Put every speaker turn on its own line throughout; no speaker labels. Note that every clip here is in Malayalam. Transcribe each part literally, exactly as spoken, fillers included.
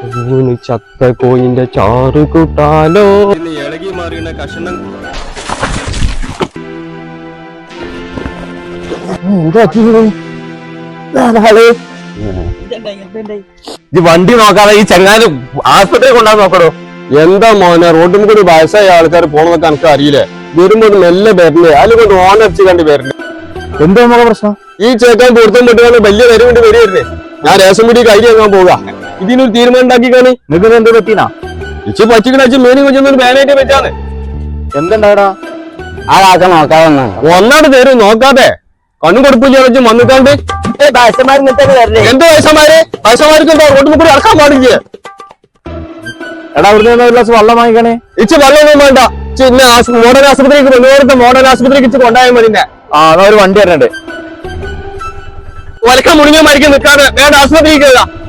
ചത്ത കോയിന്റെ ചാറ് കൂട്ടാലോ. ഇളകി മാറിയ കഷണം വണ്ടി നോക്കാതെ ഈ ചങ്ങാനും ആശുപത്രി കൊണ്ടാന്ന് നോക്കണോ. എന്താ മോനെ, റോഡിൽ കൂടി വയസ്സായ ആൾക്കാർ പോണെന്നൊക്കെ എനിക്ക് അറിയില്ലേ. വരുമ്പോ മെല്ലെ വരണ്ടേ, അതിൽ കൊണ്ട് ഓണടിച്ച് കണ്ട് വരണ്ടേ. എന്താ നമ്മളെ പ്രശ്നം? ഈ ചേക്കാൻ പൊരുത്തം പെട്ടുകൊണ്ട് വലിയ വരെ വേണ്ടി വരുന്നേ. ഞാൻ റേഷൻ പിടി കൈരി വാങ്ങാൻ പോവുക. ഇതിനൊരു തീരുമാനം ഉണ്ടാക്കി കാണി. നിങ്ങൾക്ക് എന്ത് പറ്റീനാ? ഇച്ച് പച്ചിക്കണ മേനി കൊച്ചൊന്നും ബാനായിട്ട് വെച്ചാണ്. എന്തുണ്ടാടാ ആ കാക്ക നോക്കാതെ ഒന്നാട് തരും. നോക്കാതെ കണ്ണും കൊടുപ്പില്ല വെച്ച് വന്നിട്ടാണ്ട് എന്ത് വയസ്സന്മാര് വയസ്സന്മാർക്ക് എന്താ റോഡിൽ കൂടി ഇറക്കാൻ പാടില്ല. എടാ അവിടെ ഒരു ഗ്ലാസ് വെള്ളം വാങ്ങിക്കണേ. ഇച്ച് വെള്ളമൊന്നും വേണ്ട. പിന്നെ മോഡൽ ആശുപത്രിക്ക് മുന്നോട്ട് മോഡൽ ആശുപത്രിക്ക് ഇച്ച് കൊണ്ടായാൽ മതി. ആ അതാ ഒരു വണ്ടി വരണ്ട്. ഒലക്കം മുടിഞ്ഞ മരിക്കാൻ നിൽക്കാതെ വേണ്ട ആശുപത്രിക്ക്.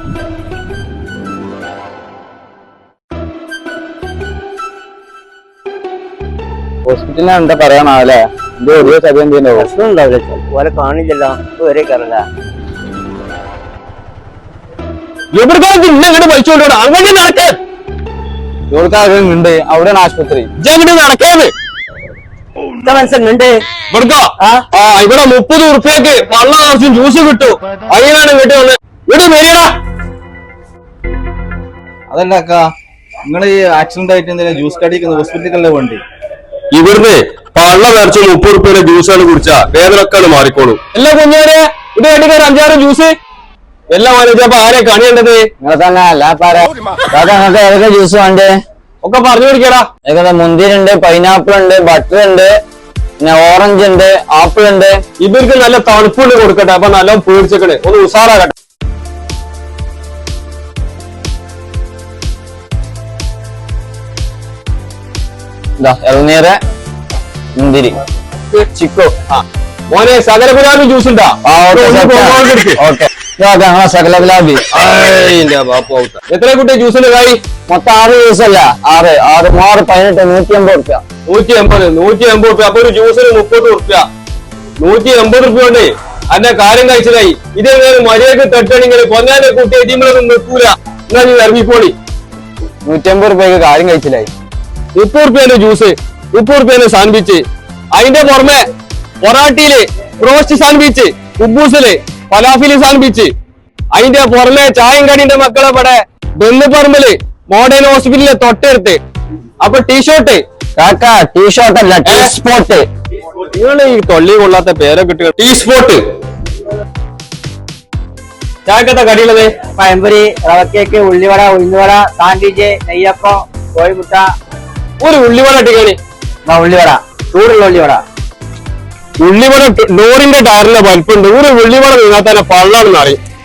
ഹോസ്പിറ്റലിനെ എന്താ പറയാനാവല്ലേ? ഇത് ഒരു സത്യം ചെയ്യുന്ന പ്രശ്നം ഉണ്ടാവില്ല. ഓലെ കാണില്ലല്ലോ ഒരേ കറങ്ങ എവിടെക്കാലത്ത് ഇന്നങ്ങോട്ട് വലിച്ചോണ്ടോ അങ്ങനെ നടക്കേ. ഉണ്ട് അവിടെ ആശുപത്രി ഇങ്ങോട്ട് നടക്കേത് മനസ്സിലുണ്ട്. ഇവിടെ മുപ്പത് ഉറുപ്പ്യക്ക് വെള്ളം ആവശ്യം ജ്യൂസ് കിട്ടും. അതിനാണ് വീട്ടിൽ വന്ന് ഇവിടെ മേരിയടാ.
അതല്ല അക്കാ, നിങ്ങൾ ഈ ആക്സിഡന്റ് ആയിട്ട് എന്തെങ്കിലും ജ്യൂസ് കടിക്കുന്ന ഹോസ്പിറ്റലിലെ വണ്ടി
ഇവിടുന്ന് പള്ള നിറച്ച് മുപ്പത് ഉറുപ്പ്യയുടെ ജ്യൂസാണ് കുടിച്ചാ വേദനക്കാണ് മാറിക്കോളൂ. എല്ലാ കുഞ്ഞാരെ ഇത് കടിക്കാൻ അഞ്ചാറ് ജ്യൂസ് എല്ലാം വാങ്ങിച്ചപ്പോ ആരെ കണിയേണ്ടത്?
ഏതൊക്കെ ജ്യൂസ് വേണ്ടേ
ഒക്കെ പറഞ്ഞു കൊടുക്കടാ.
ഏകദേശം മുന്തിരി ഉണ്ട്, പൈനാപ്പിൾ ഉണ്ട്, ബട്ടർ ഉണ്ട്, പിന്നെ ഓറഞ്ച് ഉണ്ട്, ആപ്പിൾ ഉണ്ട്.
ഇവർക്ക് നല്ല തണുപ്പുണ്ട് കൊടുക്കട്ടെ. അപ്പൊ നല്ല പേടിച്ചേക്കണേ, ഒന്ന് ഉഷാറാകട്ടെ.
ഇളനീര്, മുന്തിരി, ചിക്കോ.
ആ മോനെ സകല ഗുലാബി ജ്യൂസ് ഉണ്ടാ?
ഓക്കെ സകല ഗുലാബി.
എത്ര കുട്ടി ജ്യൂസിന്റെ കായി?
മൊത്തം ആറ് ജ്യൂസ് അല്ല, ആറ് ആറ് ആറ് പതിനെട്ട് നൂറ്റി എൺപത് റുപ്യ.
നൂറ്റി എൺപത് നൂറ്റി എൺപത് റുപ്യ. അപ്പൊ ഒരു ജ്യൂസിന് മുപ്പത് റുപ്യ. നൂറ്റി എൺപത് റുപ്യ കൊണ്ട് അതിന്റെ കാര്യം കഴിച്ചതായി. ഇതേപോലെ മര്യാദക്ക് തട്ടണെങ്കിൽ കൊന്നാന്റെ കുട്ടി എതിമൊന്നും നിൽക്കൂല. എന്നാ നീ ഇറങ്ങിക്കോളി.
നൂറ്റി അമ്പത് റുപ്യക്ക് കാര്യം കഴിച്ചില്ലായി.
മുപ്പത് റുപ്യന്റെ ജ്യൂസ്, മുപ്പത് റുപ്യന്റെ സാൻഡ്വിച്ച്, അതിന്റെ പുറമെ പൊറാട്ടിയില് റോസ്റ്റ് സാൻഡ്വിച്ച്, കുബൂസില് ഫലാഫില് സാൻഡ്വിച്ച്, അതിന്റെ പുറമെ ചായം കടിന്റെ മക്കളെ പടെ ബെല്ലുപറമ്പില് മോഡേൺ ഹോസ്പിറ്റലിലെ തൊട്ടടുത്ത്. അപ്പൊ ടീഷർട്ട്
കാക്കാ ടീഷർട്ട് അല്ല ടീ സ്പോട്ട്.
നിങ്ങൾ ഈ തൊള്ളി കൊള്ളാത്ത പേരൊക്കെ കിട്ടുക. Tea spot. ചായക്കത്തെ കടിയുള്ളത്
പഴംപൊരി, റവക്കേക്ക്, ഉള്ളിവട, ഉഴുന്നുവട, സാൻഡ്വിച്ച്, നെയ്യപ്പം, കോഴിമുട്ട.
ഒരു ഉള്ളിവട ഇട്ടിക്കാണ്.
ഉള്ളിവട ചൂടുള്ള ഉള്ളിവട.
ഉള്ളിവട ലോറിന്റെ ടയറിന്റെ വലിപ്പുണ്ട്. ഒരു ഉള്ളിവട നിന്നാൽ തന്നെ പള്ളാണെന്ന് അറിയും.